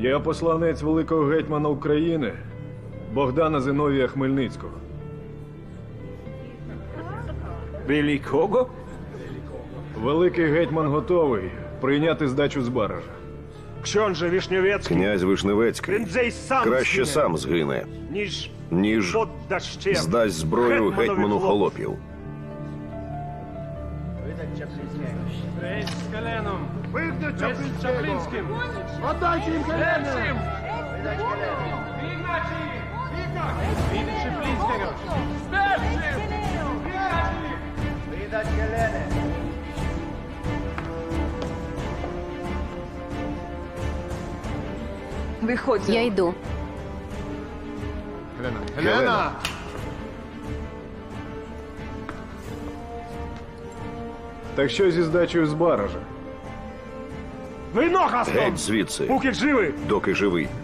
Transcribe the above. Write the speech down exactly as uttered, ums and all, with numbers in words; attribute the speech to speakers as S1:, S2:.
S1: Я посланець великого гетьмана України Богдана Зиновія Хмельницького.
S2: Великого?
S1: Великий гетьман готовий прийняти здачу з баража.
S2: Książę Wiśniewiecki,
S3: Князь Вишневецький
S2: prędzej sam
S3: краще
S2: zginie,
S3: сам згине,
S2: niż
S3: ніж
S2: poddasz się
S3: здасть зброю
S2: hetmanowi
S3: гетьману
S2: chłopów.
S3: холопів.
S4: Weź z Heleną! Weź z Czaplińskim! Oddajcie im Helenę! Wygnać ich! Widy Czaplińskiego! Starszy! Wygnać ich!
S5: Виходь.
S6: Я йду.
S3: Гелена!
S1: Так що зі здачею з баража?
S2: Wynocha
S3: Геть
S2: stąd!
S3: звідси,
S2: Póki żywy!
S3: доки живий.